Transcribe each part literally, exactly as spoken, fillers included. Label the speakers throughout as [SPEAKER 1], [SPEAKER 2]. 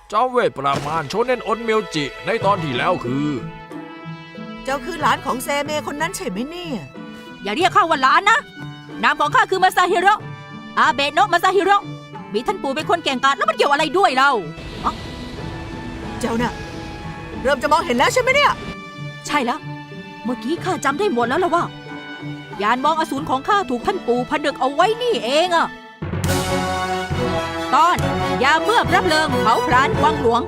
[SPEAKER 1] เจ้าเวทประมาณโชเน็นอนเมียวจิในตอนที่แล้วคือ
[SPEAKER 2] เจ้าคือหลานของเซเมคนนั้นใช่ไหมเนี่ย
[SPEAKER 3] อย่าเรียกข้าว่าหลานนะนามของข้าคือมาซาฮิโร่อาเบะโนะมาซาฮิโร่มีท่านปู่เป็นคนเก่งกาจแล้วมันเกี่ยวอะไรด้วยเรา
[SPEAKER 2] เจ้าน่ะเริ่มจะมองเห็นแล้วใช่ไหมเนี่ย
[SPEAKER 3] ใช่แล้วเมื่อกี้ข้าจำได้หมดแล้วล่ะว่ายานมองอสูรของข้าถูกท่านปู่ผนึกเอาไว้นี่เองอะตอนยาเมื่อรับเลิงเผาพรานวังหลวง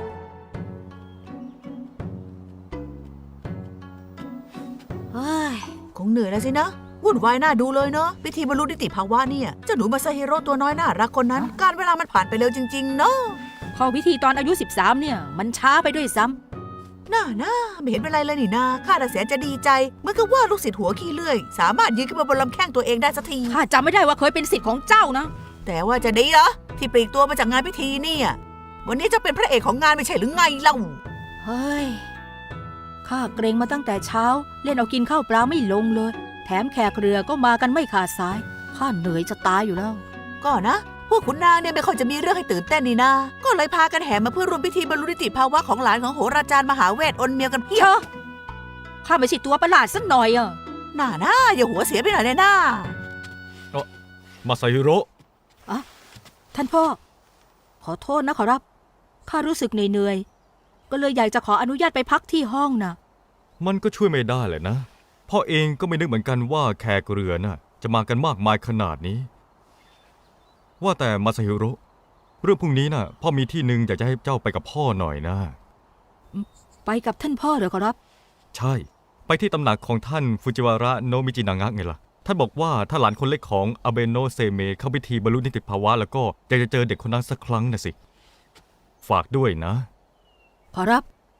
[SPEAKER 3] เฮ้ย
[SPEAKER 2] คงเหนื่อยแล้วสินะวุ่นวายน่าดูเลยเนาะพิธีบรรลุนิติภาวะเนี่ยเจ้าหนูมาซาฮิโร่ตัวน้อยน่ารักคนนั้นการเวลามันผ่านไปเร็วจริงๆเนาะ
[SPEAKER 3] เข้าพิธีตอนอายุสิบสามเนี่ยมันช้าไปด้วยซ้
[SPEAKER 2] ำน่าน่าไม่เห็นเป็นไรเลยนี่นาข้าแต่แสนจะดีใจเมื่อคือว่าลูกศิษย์หัวขี้เลื่อยสามารถยืนขึ้นมาบนลำแข้งตัวเองได้สักที
[SPEAKER 3] ข้าจำไม่ได้ว่าเคยเป็นศิษย์ของเจ้านะ
[SPEAKER 2] แต่ว่าจะดีเหรอที่ปลีกตัวมาจากงานพิธีเนี่ยวันนี้จะเป็นพระเอกของงานไม่ใช่หรือไงเล่า
[SPEAKER 3] เฮ้ยข้าเกรงมาตั้งแต่เช้าเล่นเอากินข้าวปลาไม่ลงเลยแถมแขกเรือก็มากันไม่ขาดสายข้าเหนื่อยจะตายอยู่แล้ว
[SPEAKER 2] ก็นะพวกขุนนางเนี่ยไม่ค่อยจะมีเรื่องให้ตื่นเต้นนี่นาก็เลยพากันแห่มาเพื่อร่วมพิธีบรรลุนิติภาวะของหลานของโหราจารย์มหาเวทอนเมียวกันเพียบ
[SPEAKER 3] ข้าไม่ใช่ตัวประหลาดสักหน่อยอ่ะ
[SPEAKER 2] น่าน่าอย่าหัวเสียไปหน่อยเลยน่า
[SPEAKER 1] เออมาซาฮิโร่
[SPEAKER 3] อะท่านพ่อขอโทษนะขอรับข้ารู้สึกเหนื่อยๆก็เลยอยากจะขออนุญาตไปพักที่ห้องนะ
[SPEAKER 1] มันก็ช่วยไม่ได้เลยนะพ่อเองก็ไม่นึกเหมือนกันว่าแขกเรือน่ะจะมากันมากมายขนาดนี้ว่าแต่มาซาฮิโร่เรื่องพรุ่งนี้น่ะพ่อมีที่หนึ่งอยากจะให้เจ้าไปกับพ่อหน่อยนะ
[SPEAKER 3] ไปกับท่านพ่อเหรอขอรับ
[SPEAKER 1] ใช่ไปที่ตำหนักของท่านฟูจิวาระโนะมิจินางะไงล่ะท่านบอกว่าถ้าหลานคนเล็กของอาเบโนะเซเมเข้าพิธีบรรลุนิติภาวะแล้วก็อยากจะเจอเด็กคนนั้นสักครั้งนะสิฝากด้วยนะ
[SPEAKER 3] ขอรับ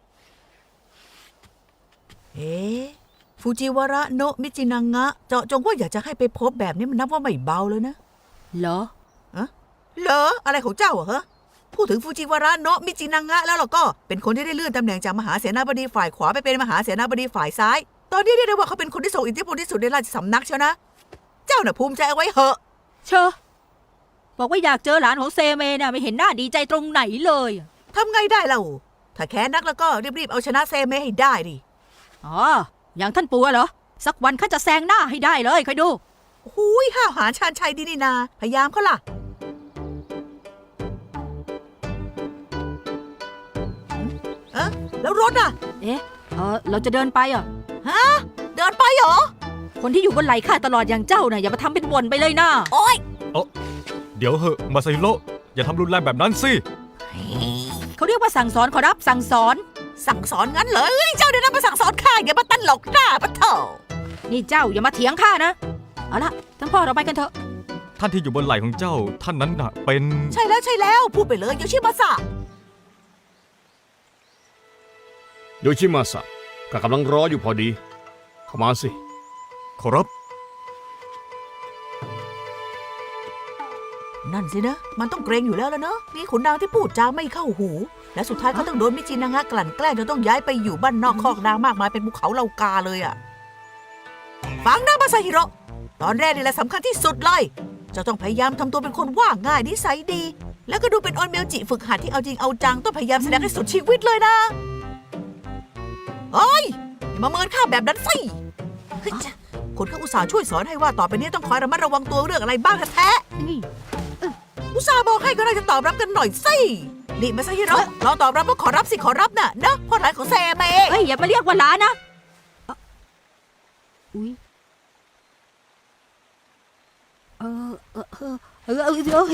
[SPEAKER 2] เอ๊ะฟูจิวาระโนะมิจินางะเจาะจงว่าอยากจะให้ไปพบแบบนี้มันนับว่าไม่เบาเลยนะ
[SPEAKER 3] เหรอ
[SPEAKER 2] อะเหรออะไรของเจ้าอะฮะพูดถึงฟูจิวาระโนะมิจินางะแล้วเราก็เป็นคนที่ได้เลื่อนตำแหน่งจากมหาเสนาบดีฝ่ายขวาไปเป็นมหาเสนาบดีฝ่ายซ้ายตอนนี้เรียกได้ว่าเขาเป็นคนที่ทรงอิทธิพลที่สุดในราชสำนักเชียวนะเจ้าน่ะภูมิใจเอาไว้เหอะ
[SPEAKER 3] เชอะบอกว่าอยากเจอหลานของเซเมน่ะไม่เห็นหน้าดีใจตรงไหนเลย
[SPEAKER 2] ทำไงได้เล่าถ้าแค้นนักแล้วก็รีบๆเอาชนะเซเมให้ได้ดิ
[SPEAKER 3] อ๋ออย่างท่านปู่เหรอสักวันข้าจะแซงหน้าให้ได้เลยคอยดู
[SPEAKER 2] หูยห้าวหาญชาญชัยดีนี่นาพยายามเขาล่ะเอ๊ะแล้วรถอ่ะ
[SPEAKER 3] เอ๊ะเออเราจะเดินไปอ่ะ
[SPEAKER 2] ฮะเดินไปเหรอ
[SPEAKER 3] คนที่อยู่บนไหล่ข้าตลอดอย่างเจ้าน่ะอย่ามาทำเป็นบ่นไปเลยนะ
[SPEAKER 2] โอ๊ย
[SPEAKER 1] เออเดี๋ยวเหอะมาซาฮิโร่อย่าทำรุนแรงแบบนั้นสิ
[SPEAKER 3] เขาเรียกว่าสั่งสอนขอรับสั่งสอน
[SPEAKER 2] สั่งสอนงั้นเหรอเจ้าเดี๋ยวนั้นมาสั่งสอนข้าอย่ามาตั้นหลอกหน้าปะเถอะ
[SPEAKER 3] นี่เจ้าอย่ามาเถียงข้านะเอาละท่านพ่อเราไปกันเถอะ
[SPEAKER 1] ท่านที่อยู่บนไหล่ของเจ้าท่านนั้นน่ะเป็น
[SPEAKER 2] ใช่แล้วใช่แล้วพูดไปเลยโยชิมาสะ
[SPEAKER 4] โยชิมาสะก็กำลังรออยู่พอดีเข้ามาสิ
[SPEAKER 1] ขอรับ
[SPEAKER 2] นั่นสินะมันต้องเกรงอยู่แล้วแล้วเนอะมีขุนนางที่พูดจาไม่เข้าหูและสุดท้ายเขาต้องโดนมิจินางะกลั่นแกล้งจนต้องย้ายไปอยู่บ้านนอกคอกนางมากมายเป็นภูเขาเหล่ากาเลยอะฟังนะมาซาฮิโร่ตอนแรกนี่แหละสำคัญที่สุดเลยจะต้องพยายามทำตัวเป็นคนว่าง่ายนิสัยดีแล้วก็ดูเป็นออนเมลจิฝึกหัดที่เอาจริงเอาจังต้องพยายามแสดงให้สุดชีวิตเลยนะเอ้ยอย่ามาเมินข้าแบบนั้นสิคนเขาอุตส่าห์ช่วยสอนให้ว่าต่อไปนี้ต้องคอยระมัดระวังตัวเรื่องอะไรบ้างแท้อุตส่าห์บอกให้ก็น่าจะตอบรับกันหน่อยสินี่มาซาฮิโร่เราตอบรับว่าขอรับสิขอรับน่ะนะพ่อหลานของเซเม
[SPEAKER 3] เฮ้ยอย่ามาเรียกว่าหลานนะอุ้ยเออเออเออเออเออ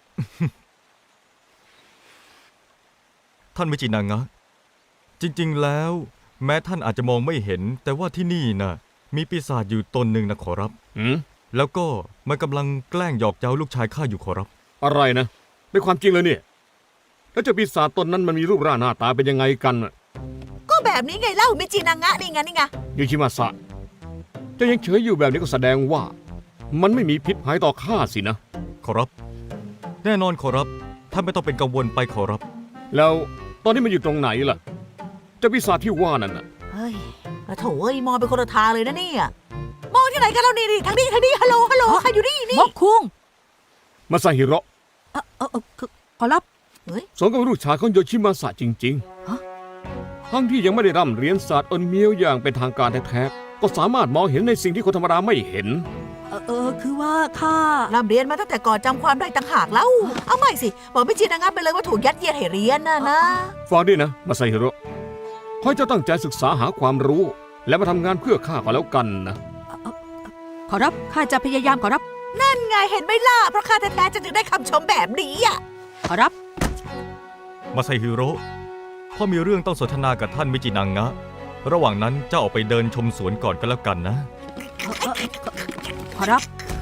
[SPEAKER 1] ท่านมิจินางะจริงๆแล้วแม้ท่านอาจจะมองไม่เห็นแต่ว่าที่นี่น่ะมีปีศาจอยู่ตนหนึ่งนะขอรับ
[SPEAKER 4] อืม
[SPEAKER 1] แล้วก็มันกำลังแกล้งหยอกเย้าลูกชายข้าอยู่ขอรับ
[SPEAKER 4] อะไรนะเป็นความจริงเลยเนี่ยแล้วเจ้าปีศาจตนนั้นมันมีรูปร่างหน้าตาเป็นยังไงกัน
[SPEAKER 2] ก็แบบนี้ไงเล่ามิจินางะนี่ไงนี่ไง
[SPEAKER 4] โยชิมาสะเจ้ายังเฉยอยู่แบบนี้ก็แสดงว่ามันไม่มีพิษภัยต่อข้าสินะ
[SPEAKER 1] ขอรับแน่นอนขอรับท่านไม่ต้องเป็นกังวลไปขอรับ
[SPEAKER 4] แล้วตอนนี้มันอยู่ตรงไหนล่ะเจ้าปีศาจที่ว่านั่นน่ะ
[SPEAKER 2] เฮ้ยโถ่เอ้ยมองเป็นคนละทางเลยนะเนี่ยมองที่ไหนกันแล้วนี่ทางนี้ทางนี้ฮัลโหลฮัลโหลใครอยู่นี่นี่
[SPEAKER 3] มกคุง
[SPEAKER 4] มาซาฮิโร่
[SPEAKER 3] เออเออขอรับ
[SPEAKER 2] เฮ้ย
[SPEAKER 4] สมกับลูกชายของโยชิมาสะจริง
[SPEAKER 3] ฮะ
[SPEAKER 4] ๆ ทั้งที่ยังไม่ได้ร่ำเรียนศาสตร์อนเมียวอย่างเป็นทางการแท้ๆ ก็สามารถมองเห็นในสิ่งที่คนธรรมดาไม่เห็น
[SPEAKER 3] เออเออคือว่าข้า
[SPEAKER 2] ร่ำเรียนมาตั้งแต่ก่อนจำความได้ต่างหากแล้ว เอาไม่สิ บอกไม่จริงนะงับไปเลยว่าถูกยัดเยียดให้เรียนนะนะ
[SPEAKER 4] ฟังด้วยนะมาไซฮิโร่ขอให้เจ้าตั้งใจศึกษาหาความรู้ และมาทำงานเพื่อข้าก็แล้วกันนะ
[SPEAKER 3] ขอรับข้าจะพยายามขอรับ
[SPEAKER 2] นั่นไงเห็นไหมล่ะ เพราะข้าแท้ๆจะถึงได้คำชมแบบนี้อ่ะ
[SPEAKER 3] ขอรับ
[SPEAKER 1] มาไซฮิโร่พ่อมีเรื่องต้องสนทนากับท่านมิจินังงะ ระหว่างนั้นเจ้าออกไปเดินชมสวนก่อนก็แล้วกันนะ
[SPEAKER 3] เอ่อเอ่อขอขอรับ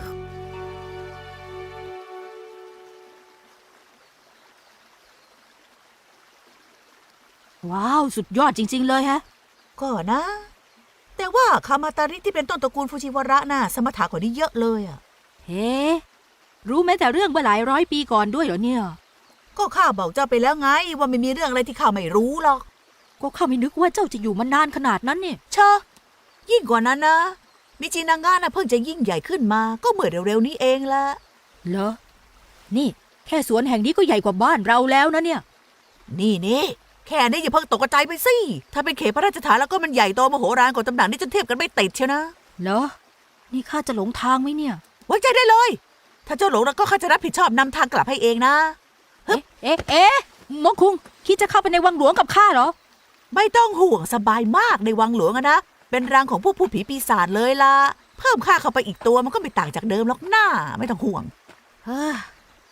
[SPEAKER 3] ว้าว สุดยอดจริง ๆ เลยฮะ
[SPEAKER 2] ก็นะ แต่ว่าคามาตาริที่เป็นต้นตระกูลฟูจิวาระน่ะสมถะกว่านี้เยอะเลยอ่ะ
[SPEAKER 3] เฮ้ รู้แม้แต่เรื่องเมื่อหลายร้อยปีก่อนด้วยเหรอเนี่ย
[SPEAKER 2] ก็ข้าบอกเจ้าไปแล้วไง ว่าไม่มีเรื่องอะไรที่ข้าไม่รู้หรอก
[SPEAKER 3] ก็ข้าไม่นึกว่าเจ้าจะอยู่มานานขนาดนั้นเนี่ย
[SPEAKER 2] เชอะยิ่งกว่านั้นนะ มิจินางะน่ะเพิ่งจะยิ่งใหญ่ขึ้นมา ก็เมื่อเร็วๆนี้เองละ
[SPEAKER 3] เหรอ นี่ แค่สวนแห่งนี้ก็ใหญ่กว่าบ้านเราแล้วนะเนี่ย
[SPEAKER 2] นี่นี่แค่นี้อย่าเพิ่งตกใจไปสิ ถ้าเป็นเขตพระราชฐานแล้วก็มันใหญ่โตมโหฬารกว่าตำหนักนี่จนเทียบกันไม่ติดเชียวนะ
[SPEAKER 3] เหรอ นี่ข้าจะหลงทางไหมเนี่ย
[SPEAKER 2] ไว้ใจได้เลย ถ้าเจ้าหลงแล้วก็ข้าจะรับผิดชอบนำทางกลับให้เองนะ
[SPEAKER 3] เอ๊ะ เอ๊ะ เอ๊ะมงคุง คิดจะเข้าไปในวังหลวงกับข้าเหรอ
[SPEAKER 2] ไม่ต้องห่วงสบายมากในวังหลวงอะนะ เป็นรังของพวกผู้ผีปีศาจเลยล่ะ เพิ่มค่าเข้าไปอีกตัวมันก็ไม่ต่างจากเดิมหรอกหน้า ไม่ต้องห่วง
[SPEAKER 3] เฮ้อ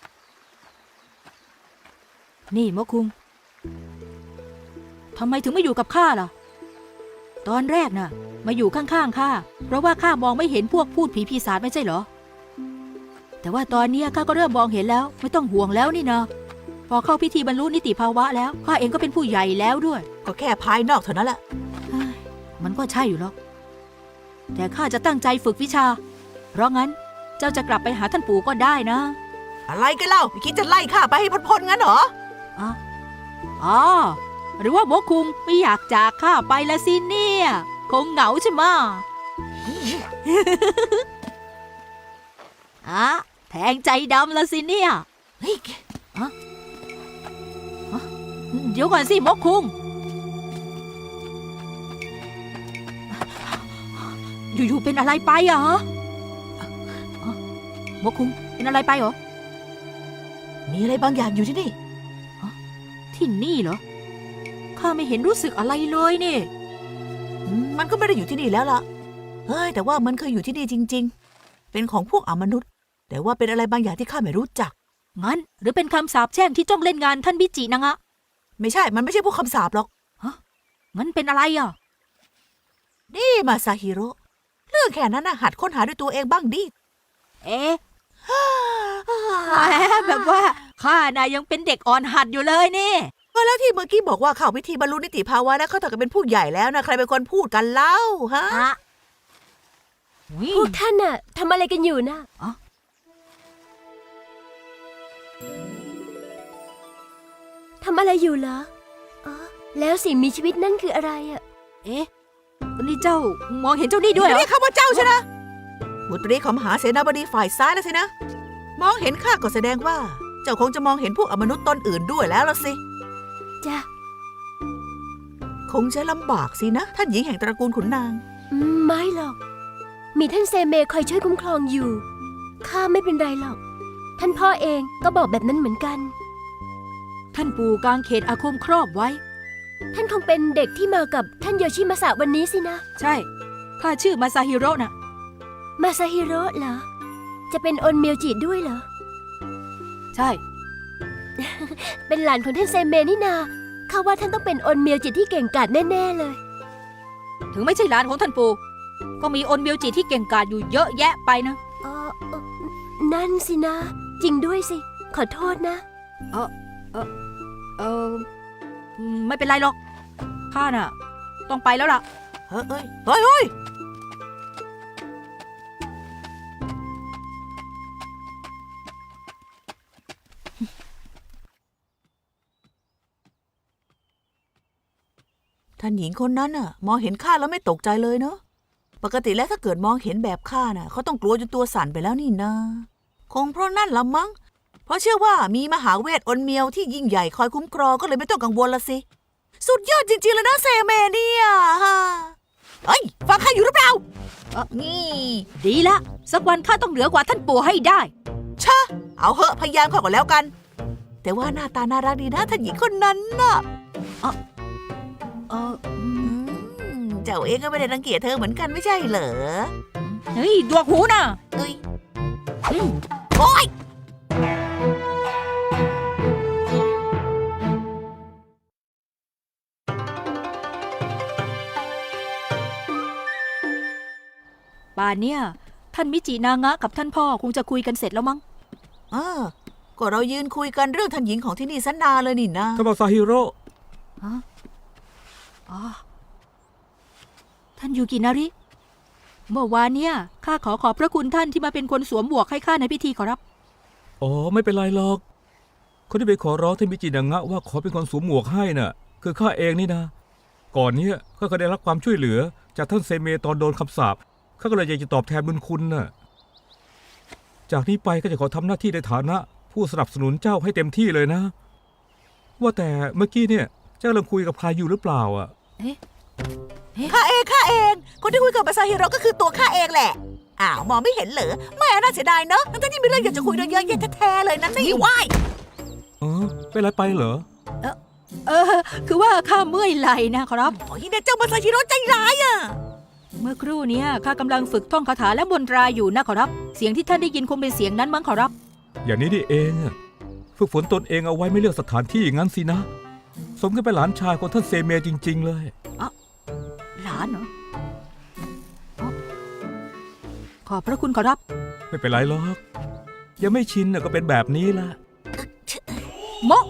[SPEAKER 3] นี่มะคุง ทำไมถึงไม่อยู่กับข้าล่ะ ตอนแรกน่ะ มาอยู่ข้างๆข้า เพราะว่าข้ามองไม่เห็นพวกพูดผีปีศาจไม่ใช่เหรอ แต่ว่าตอนเนี้ยข้าก็เริ่มมองเห็นแล้ว ไม่ต้องห่วงแล้วนี่นะ พอเข้าพิธีบรรลุนิติภาวะแล้ว ข้าเองก็เป็นผู้ใหญ่แล้วด้วย
[SPEAKER 2] ก็แค่ภายนอกเท่านั้นแหละ
[SPEAKER 3] เฮ้ยมันก็ใช่อยู่หรอก แต่ข้าจะตั้งใจฝึกวิชา เพราะงั้นเจ้าจะกลับไปหาท่านปู่ก็ได้นะ
[SPEAKER 2] อะไรกันเล่าไม่คิดจะไล่ข้าไปให้พ้นๆงั้นเหรอ
[SPEAKER 3] อ๋ออ๋อ หรือว่าโมคุงไม่อยากจากข้าไปละสิเนี่ย คงเหงาใช่ไหมะ อะแทงใจดำละสิเนี่ย
[SPEAKER 2] เฮ้ย
[SPEAKER 3] เดี๋ยวก่อนสิโมคุง อยู่ๆเป็นอะไรไปอะฮะอ๋อโมคุงเป็นอะไรไปเหรอ
[SPEAKER 2] มีอะไรบางอย่างอยู่ที่นี่
[SPEAKER 3] ที่นี่เหรอ ข้าไม่เห็นรู้สึกอะไรเลยนี่
[SPEAKER 2] อืมมันก็ไม่ได้อยู่ที่นี่แล้วล่ะ เฮ้ย แต่ว่ามันเคยอยู่ที่นี่จริง ๆ เป็นของพวกอมนุษย์ แต่ว่าเป็นอะไรบางอย่างที่ข้าไม่รู้จัก
[SPEAKER 3] งั้นหรือเป็นคำสาปแช่งที่จ้องเล่นงานท่านบิจินังอะ
[SPEAKER 2] ไม่ใช่ มันไม่ใช่พวกคำสาปหรอก
[SPEAKER 3] งั้นเป็นอะไรอ่ะ
[SPEAKER 2] นี่มาซาฮิโร่ เรื่องแค่นั้นนะหัดค้นหาด้วยตัวเองบ้างดิ
[SPEAKER 3] เอ๊ะ แหมแบบว่าข้าน่ะยังเป็นเด็กอ่อนหัดอยู่เลยนี่
[SPEAKER 2] ก็แล้วที่เมื่อกี้บอกว่าเข้าพิธีบรรลุนิติภาวะแล้วเขาถึงกับเป็นผู้ใหญ่แล้วนะใครเป็นคนพูดกันเล่าฮะ
[SPEAKER 5] พวกท่านน่ะทำอะไรกันอยู่นะ
[SPEAKER 3] อ๋อ
[SPEAKER 5] ทำอะไรอยู่เหรออ๋อแล้วสิ่งมีชีวิตนั่นคืออะไรอ่ะ
[SPEAKER 3] เอ๊ะ นี่เจ้ามองเห็นเจ้านี่ด้วยเหรอ
[SPEAKER 2] เรียกข้าว่าเจ้าใช่นะบุตรีของมหาเสนาบดีฝ่ายซ้ายนะสินะ มองเห็นข้าก็แสดงว่า เจ้าคงจะมองเห็นพวกอมนุษย์ตนอื่นด้วยแล้วละสิ
[SPEAKER 5] จ้ะ
[SPEAKER 2] คงจะลำบากสินะ ท่านหญิงแห่งตระกูลขุนนาง
[SPEAKER 5] อืมไม่หรอก มีท่านเซเมคอยช่วยคุ้มครองอยู่ ข้าไม่เป็นไรหรอก ท่านพ่อเองก็บอกแบบนั้นเหมือนกัน
[SPEAKER 3] ท่านปู่กางเขตอาคมครอบไว้
[SPEAKER 5] ท่านคงเป็นเด็กที่มากับท่านโยชิมาสะวันนี้สินะ
[SPEAKER 3] ใช่ ข้าชื่อมาซาฮิโร่น่ะ
[SPEAKER 5] มาซาฮิโร่เหรอ จะเป็นอนเมียวจิด้วยเหรอ
[SPEAKER 3] ใช่
[SPEAKER 5] เป็นหลานของท่านเซเมนี่นาข้าว่าท่านต้องเป็นอนเมียวจิที่เก่งกาจแน่ๆเลย
[SPEAKER 3] ถึงไม่ใช่หลานของท่านปู่ ก็มีอนเมียวจิที่เก่งกาจอยู่เยอะแยะไปนะ
[SPEAKER 5] เออเอ่อนั่นสินะ จริงด้วยสิ ขอโทษนะ
[SPEAKER 3] เอออืมไม่เป็นไรหรอก ข้าน่ะ ต้องไปแล้วล่ะ
[SPEAKER 2] เฮ้ยเฮ้ยเฮ้ยเฮ้ยท่านหญิงคนนั้นน่ะ มองเห็นข้าแล้วไม่ตกใจเลยเนาะ ปกติแล้วถ้าเกิดมองเห็นแบบข้าน่ะเขาต้องกลัวจนตัวสั่นไปแล้วนี่นา คงเพราะนั่นละมั้งเพราะเชื่อว่ามีมหาเวทอนเมียวที่ยิ่งใหญ่คอยคุ้มครองก็เลยไม่ต้องกังวลละสิ สุดยอดจริงๆเลยนะเซเมเนี่ยเฮ้ยฟังข้าอยู่หรือเปล่า
[SPEAKER 3] เอ่อ
[SPEAKER 2] นี่
[SPEAKER 3] ดีละ สักวันข้าต้องเหนือกว่าท่านปู่ให้ได้
[SPEAKER 2] ชะเอาเหอะพยายามเข้าก่อนแล้วกัน แต่ว่าหน้าตาน่ารักดีนะท่านหญิงคนนั้นน่ะ
[SPEAKER 3] เอออืม
[SPEAKER 2] อืมเจ้าเองก็ไม่ได้รังเกียจเธอเหมือนกันไม่ใช่เหรอ
[SPEAKER 3] เฮ้ยดวกหูนะ
[SPEAKER 2] เอ้ย
[SPEAKER 3] อืม
[SPEAKER 2] โอ๊ย
[SPEAKER 3] ป่านเนี่ยท่านมิจินางะกับท่านพ่อคงจะคุยกันเสร็จแล้วมั้ง
[SPEAKER 2] เออก็เรายืนคุยกันเรื่องท่านหญิงของที่นี่ซะนานเลยนี่นะ
[SPEAKER 6] ท่านมาซาฮิโร่
[SPEAKER 3] อ๋อ ท่านยูกินาริ เมื่อวานเนี่ยข้าขอขอบพระคุณท่านที่มาเป็นคนสวมหมวกให้ข้าในพิธีขอรับ
[SPEAKER 6] อ๋อไม่เป็นไรหรอก คนที่ไปขอร้องท่านมิจินางะว่าขอเป็นคนสวมหมวกให้น่ะ คือข้าเองนี่นะ ก่อนเนี้ยข้าก็ได้รับความช่วยเหลือ จากท่านเซเมตอนโดนคำสาปข้าก็เลยอยากจะตอบแทนบุญคุณน่ะ จากนี้ไปก็จะขอทำหน้าที่ในฐานะ ผู้สนับสนุนเจ้าให้เต็มที่เลยนะ ว่าแต่เมื่อกี้เนี่ยเจ้ากำลังคุยกับใครอยู่หรือเปล่าอ่ะ
[SPEAKER 2] ข้าเองข้าเอง คนที่คุยกับมาซาฮิโร่ก็คือตัวข้าเองแหละ อ้าวมองไม่เห็นเหรอไม่น่าเสียดายเนอะทั้งที่มีเรื่องอยากจะคุยด้วยเยอะแยะแท้ๆเลยนะนี่ว้าย
[SPEAKER 6] เออเป็นไรไปเหรอ
[SPEAKER 3] เออ คือว่าข้าเมื่อยไหล่นะขอรับ
[SPEAKER 2] โอ้ยเนี่ยเจ้ามาซาฮิโร่ใจร้ายอ่ะ
[SPEAKER 3] เมื่อครู่เนี้ข้ากำลังฝึกท่องคาถาและมนตราอยู่นะขอรับ เสียงที่ท่านได้ยินคงเป็นเสียงนั้นมั้งขอรับ
[SPEAKER 6] อย่างนี้นี่เองอะฝึกฝนตนเองเอาไว้ไม่เลือกสถานที่อย่างนั้นสินะ สมกับเป็นหลานชายของท่านเซเมจริง ๆ เลย
[SPEAKER 3] หลานเหรออ๋อขอบพระคุณขอรับ
[SPEAKER 6] ไม่เป็นไรหรอกยังไม่ชินน่ะก็เป็นแบบนี้ละ
[SPEAKER 3] โมะ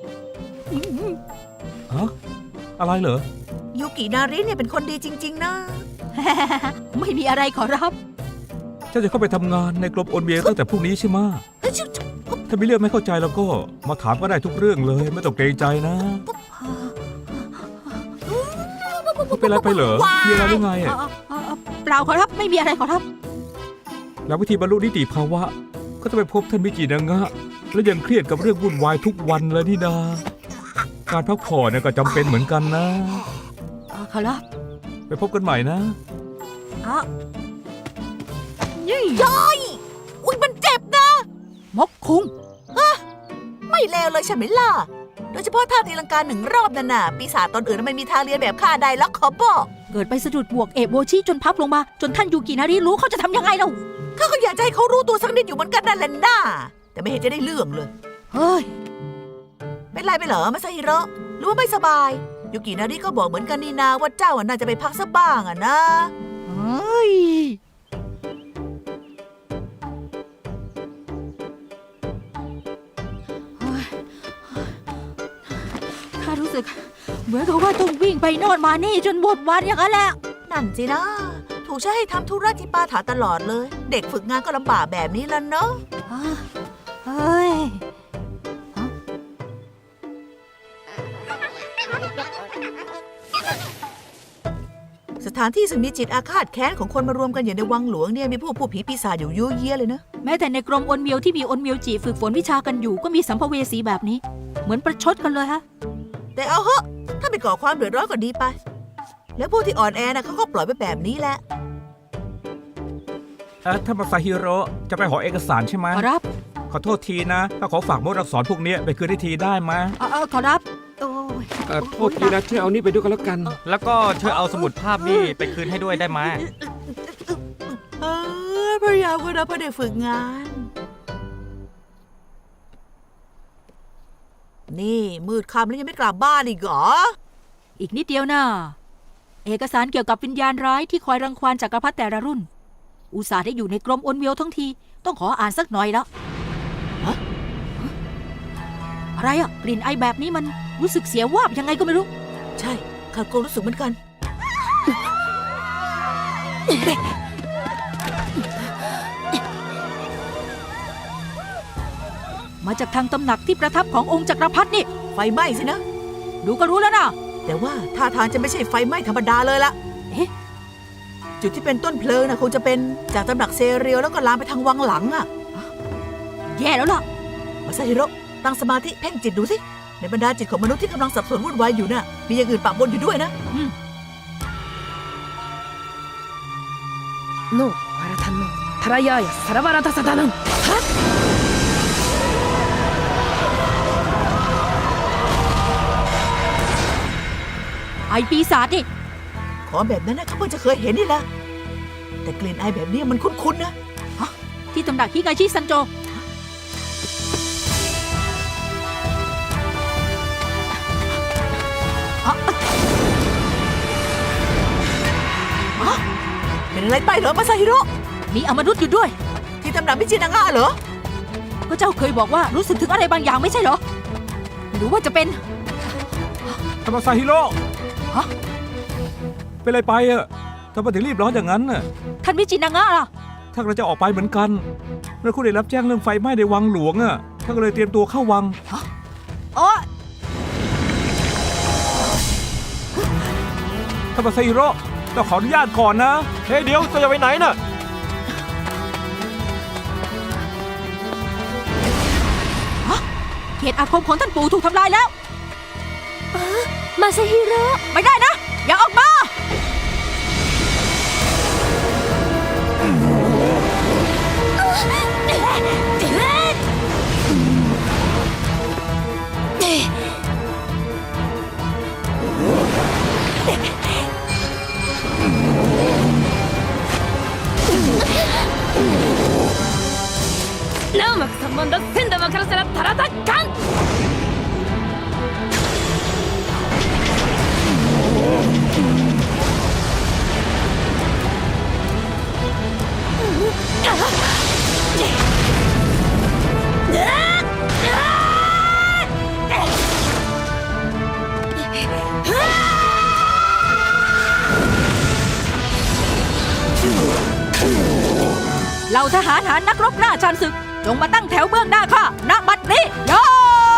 [SPEAKER 6] ฮะอะไรเหรอ
[SPEAKER 2] ยูกินาริเนี่ยเป็นคนดีจริง ๆ นะ
[SPEAKER 3] ไม่มีอะไรขอรับ
[SPEAKER 6] เจ้าจะเข้าไปทำงานในกรมโอนเบียตั้งแต่พรุ่งนี้ใช่ไหมะถ้ามีเรื่องไม่เข้าใจแล้วก็มาถามก็ได้ทุกเรื่องเลยไม่ต้องเกรงใจนะไม่เป็นไรไปเหรอมีอะไรหรือไง
[SPEAKER 3] เอ่
[SPEAKER 6] อะ
[SPEAKER 3] อเอ่อเอ่อเปล่าขอรับ ไม่มีอะไรขอรับ
[SPEAKER 6] แล้ววิธีบรรลุนิติภาวะ ก็จะไปพบท่านมิจินางะแล้วยังเครียดกับเรื่องวุ่นวายทุกวันเลยนี่นาการพักผ่อนเนี่ยก็จำเป็นเหมือนกันนะ
[SPEAKER 3] เอ่อขอรับ
[SPEAKER 6] ไปพบกันใหม่นะ
[SPEAKER 3] อ่ะยี่
[SPEAKER 2] อุ้ยมันเจ็บนะ
[SPEAKER 3] มกคุง
[SPEAKER 2] ไม่เลวเลยใช่ไหมล่ะ โดยเฉพาะท่าตีลังกาหนึ่งรอบนั่นน่ะ ปีศาจตนอื่นไม่มีทางเรียนแบบข้าได้ล็อกขอบอก
[SPEAKER 3] เกิดไปสะดุดบวกเอะโบชิจนพับลงมา จนท่านยูกินาริรู้เขาจะทำยังไงเรา
[SPEAKER 2] ข้าก็อยากจะให้เขารู้ตัวสักนิดอยู่เหมือนกันนั่นแหละน่าแต่ไม่เห็นจะได้เรื่องเลย
[SPEAKER 3] เฮ้ย
[SPEAKER 2] เป็นไรไปเหรอมาซาฮิโร่หรือว่าไม่สบาย ยูกินาริก็บอกเหมือนกันนี่นาว่าเจ้าอ่ะน่าจะไปพักสักบ้างอ่ะนะ
[SPEAKER 3] เฮ้ย ข้ารู้สึก เหมือนกับว่าต้องวิ่งไปโน่นมานี่จนหมดวันอย่างนั้นแหละ
[SPEAKER 2] นั่นสินะ ถูกใช้ให้ทำธุระที่ปาถาตลอดเลย เด็กฝึกงานก็ลำบากแบบนี้แล้วเนาะ
[SPEAKER 3] อ่าเฮ้ย
[SPEAKER 2] สถานที่ซึ่งมีจิตอาฆาตแค้นของคนมารวมกันอย่างในวังหลวงเนี่ยมีพวกผู้ผีปีศาจอยู่ยั่วเยียเลยนะ
[SPEAKER 3] แม้แต่ในกรมอนเมียวที่มีอนเมียวจีฝึกฝนวิชากันอยู่ก็มีสัมภเวสีแบบนี้ เหมือนประชดกันเลยฮะ
[SPEAKER 2] แต่เอาเหอะถ้าไปก่อความเดือดร้อนก็ดีไป แล้วพวกที่อ่อนแอนะเขาก็ปล่อยไปแบบนี้แหละ
[SPEAKER 6] เออท่านมาซาฮิโร่จะไปหอเอกสารใช่ไหม
[SPEAKER 3] ขอรับ
[SPEAKER 6] ขอโทษทีนะถ้าขอฝากมดอักษรพวกเนี้ยไปคืนได้ทีได้ไหม
[SPEAKER 3] เออเออขอรับ โอ้ย
[SPEAKER 4] เอ่อโทษทีนะช่วยเอานี่ไปด้วยกันแล้วกัน
[SPEAKER 1] แล้วก็ช่วยเอาสมุดภาพนี่ไปคืนให้ด้วยได้ไหม
[SPEAKER 2] เออพยายามก็นะเพื่อได้ฝึกงาน นี่มืดค่ำแล้วยังไม่กลับบ้านอีกเหรอ
[SPEAKER 3] อีกนิดเดียวนะเอกสารเกี่ยวกับวิญญาณร้ายที่คอยรังควานจักรพรรดิแต่ละรุ่น อุตส่าห์ได้อยู่ในกรมอนเมียวทั้งที ต้องขออ่านสักหน่อยแล้วฮะอะไรอ่ะกลิ่นไอแบบนี้มันรู้สึกเสียวาบยังไงก็ไม่รู้
[SPEAKER 2] ใช่ข้าก็รู้สึกเหมือนกัน
[SPEAKER 3] มาจากทางตำหนักที่ประทับขององค์จักรพรรดินี่
[SPEAKER 2] ไฟไหม้สินะ
[SPEAKER 3] ดูก็รู้แล้วนะ
[SPEAKER 2] แต่ว่าท่าทางจะไม่ใช่ไฟไหม้ธรรมดาเลยละ
[SPEAKER 3] เอ๊ะ
[SPEAKER 2] จุดที่เป็นต้นเพลิงนะคงจะเป็นจากตำหนักเซเรียวแล้วก็ลามไปทางวังหลังอะ
[SPEAKER 3] แย่แล้วล่ะ
[SPEAKER 2] มาซาฮิโร่ตั้งสมาธิเพ่งจิตดูสิในบรรดาจิตของมนุษย์ที่กำลังสับสนวุ่นวายอยู่น่ะมีอย่างอื่นปะปนอยู่ด้วยนะ
[SPEAKER 7] โนวารทันโนทารายายาสารบาราตาสดานังฮะ
[SPEAKER 3] ไอปีศาจนี่
[SPEAKER 2] ของแบบนั้นนะเขาเพิ่งจะเคยเห็นนี่แหละแต่กลิ่นไอแบบนี้มันคุ้นๆนะ
[SPEAKER 3] ที่ตำหนักฮิกาชิซันโจ
[SPEAKER 2] เป็นอะไรไปเหรอมาซาฮิโร่
[SPEAKER 3] มีอมนุษย์อยู่ด้วย
[SPEAKER 2] ที่ตำหนักมิจินางะเหรอ
[SPEAKER 3] ก็เจ้าเคยบอกว่ารู้สึกถึงอะไรบางอย่างไม่ใช่เหรอ หรือว่าจะเป็น
[SPEAKER 6] ธรรมซาฮิโร่
[SPEAKER 3] ฮะ
[SPEAKER 6] เป็นอะไรไปอะทำไมถึงรีบร้อนอย่างนั้นน่ะ
[SPEAKER 3] ท่านมิจินางะล่ะ
[SPEAKER 6] ท่านก็จะออกไปเหมือนกันแล้วคุณได้รับแจ้งเรื่องไฟไหม้ในวังหลวงอะท่านก็เลยเตรียมตัวเข้าวัง
[SPEAKER 3] โอ้
[SPEAKER 6] ธรรมซาฮิโร่เราขออนุญาตก่อนนะ
[SPEAKER 1] เฮ้ยเดี๋ยวจะไปไหนน่ะ
[SPEAKER 3] เขตอาคมของท่านปู่ถูกทำลายแล้ว
[SPEAKER 5] มาซาฮิโร่
[SPEAKER 3] ไม่ได้นะ อย่าออกมา
[SPEAKER 7] ナウマク三万だ千玉からさらタラタッカン
[SPEAKER 3] เหล่าทหารหารนักรบหน้าชานศึก จงมาตั้งแถวเบื้องหน้าข้าณบัดนี้ย่า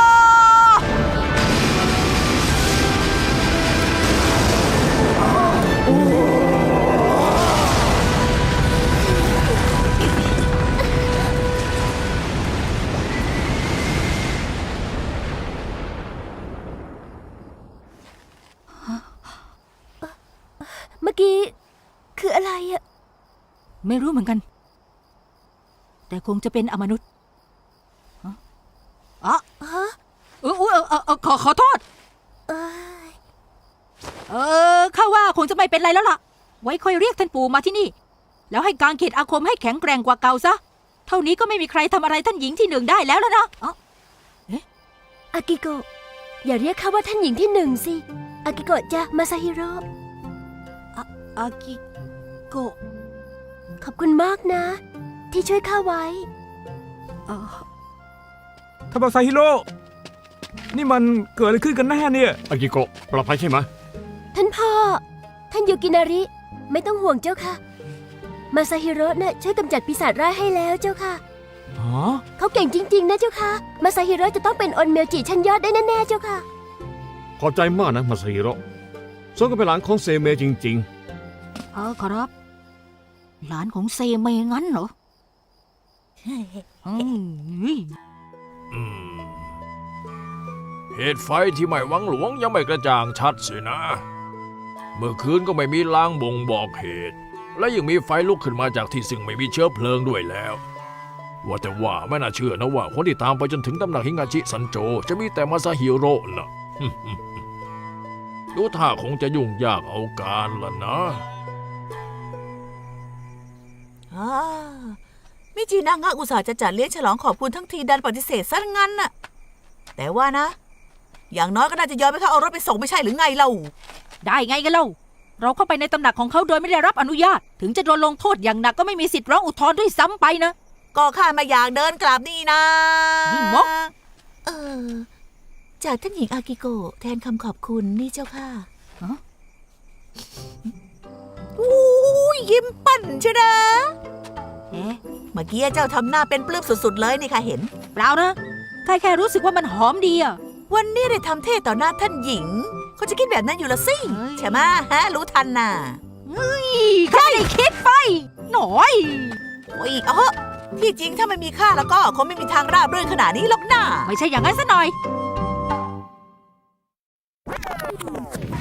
[SPEAKER 5] เมื่อกี้คืออะไรอะ
[SPEAKER 3] ไม่รู้เหมือนกัน แต่คงจะเป็นอมนุษย์ฮะอ๋อ
[SPEAKER 5] ฮะ
[SPEAKER 3] เออเออเออเออขอขอโทษ
[SPEAKER 5] เอ้ย
[SPEAKER 3] เออข้าว่าคงจะไม่เป็นไรแล้วล่ะ ไว้ค่อยเรียกท่านปู่มาที่นี่ แล้วให้การเขตอาคมให้แข็งแกร่งกว่าเก่าซะ เท่านี้ก็ไม่มีใครทำอะไรท่านหญิงที่หนึ่งได้แล้วแล้วนะอ๋อ
[SPEAKER 5] อากิโกะอย่าเรียกข้าว่าท่านหญิงที่หนึ่งสิอากิโกะจ้ะมาซาฮิโร่
[SPEAKER 3] อากิโกะ
[SPEAKER 5] ขอบคุณมากนะ ที่ช่วยข้าไว้
[SPEAKER 3] เออ
[SPEAKER 6] ธรรมซาฮิโร่ นี่มันเกิดอะไรขึ้นกันแน่เนี่ย
[SPEAKER 4] อากิโกะปลอดภัยใช่ไหม
[SPEAKER 5] ท่านพ่อ ท่านยูกินาริ ไม่ต้องห่วงเจ้าค่ะ มาซาฮิโร่น่ะช่วยกำจัดปีศาจร้ายให้แล้วเจ้าค่ะ
[SPEAKER 6] อ๋อ
[SPEAKER 5] เขาเก่งจริง ๆ นะเจ้าค่ะ มาซาฮิโร่จะต้องเป็นอนเมลจิชั้นยอดได้แน่ๆเจ้าค่ะ
[SPEAKER 4] ขอบใจมากนะมาซาฮิโร่สมก็เป็นหลานของเซเมจริง
[SPEAKER 3] เออขอรับ หลานของเซเมงั้นเหรออืม
[SPEAKER 8] อืมเหตุไฟที่ไหม้วังหลวงยังไม่กระจ่างชัดสินะ เมื่อคืนก็ไม่มีลางบ่งบอกเหตุ และยังมีไฟลุกขึ้นมาจากที่ซึ่งไม่มีเชื้อเพลิงด้วยแล้ว ว่าแต่ว่าไม่น่าเชื่อนะว่าคนที่ตามไปจนถึงตำหนักฮิงาชิซันโจจะมีแต่มาซาฮิโร่นะ ดูท่าคงจะยุ่งยากเอาการละนะ
[SPEAKER 2] อ่ามิจินางะอุตส่าห์จะจัดเลี้ยงฉลองขอบคุณทั้งทีดันปฏิเสธซะงั้นน่ะ แต่ว่านะ อย่างน้อยก็น่าจะยอมให้เขาเอารถไปส่งไม่ใช่หรือไงเล่า
[SPEAKER 3] ได้ไงกันเล่า เราเข้าไปในตำหนักของเขาโดยไม่ได้รับอนุญาต ถึงจะโดนลงโทษอย่างหนักก็ไม่มีสิทธิ์ร้องอุทธรณ์ด้วยซ้ำไปนะ
[SPEAKER 2] ก็ข้ามาอยากเดินกลับนี่นะ
[SPEAKER 3] นี่มก
[SPEAKER 2] เออ จากท่านหญิงอากิโกะแทนคำขอบคุณนี่เจ้าค่ะ
[SPEAKER 3] ฮะ
[SPEAKER 2] อู้ยยิ้มปั่นใช่นะ
[SPEAKER 3] เอ๊ะ
[SPEAKER 2] เมื่อกี้เจ้าทำหน้าเป็นปลื้มสุดๆเลยนี่ค่ะเห็น
[SPEAKER 3] เปล่านะข้าแค่รู้สึกว่ามันหอมดีอะ
[SPEAKER 2] วันนี้ได้ทำเทศต่อหน้าท่านหญิง เขาจะคิดแบบนั้นอยู่ละสิ
[SPEAKER 3] เฮ้ย
[SPEAKER 2] ใช่ไหมฮะ รู้ทันน่ะ
[SPEAKER 3] ข้าไม่ได้คิดไป หน่อย
[SPEAKER 2] โอ้ยเอาเหอะที่จริงถ้าไม่มีข้าแล้วก็คงไม่มีทางราบรื่นขนาดนี้หรอกนะ
[SPEAKER 3] ไม่ใช่อย่างนั้นซะหน่อย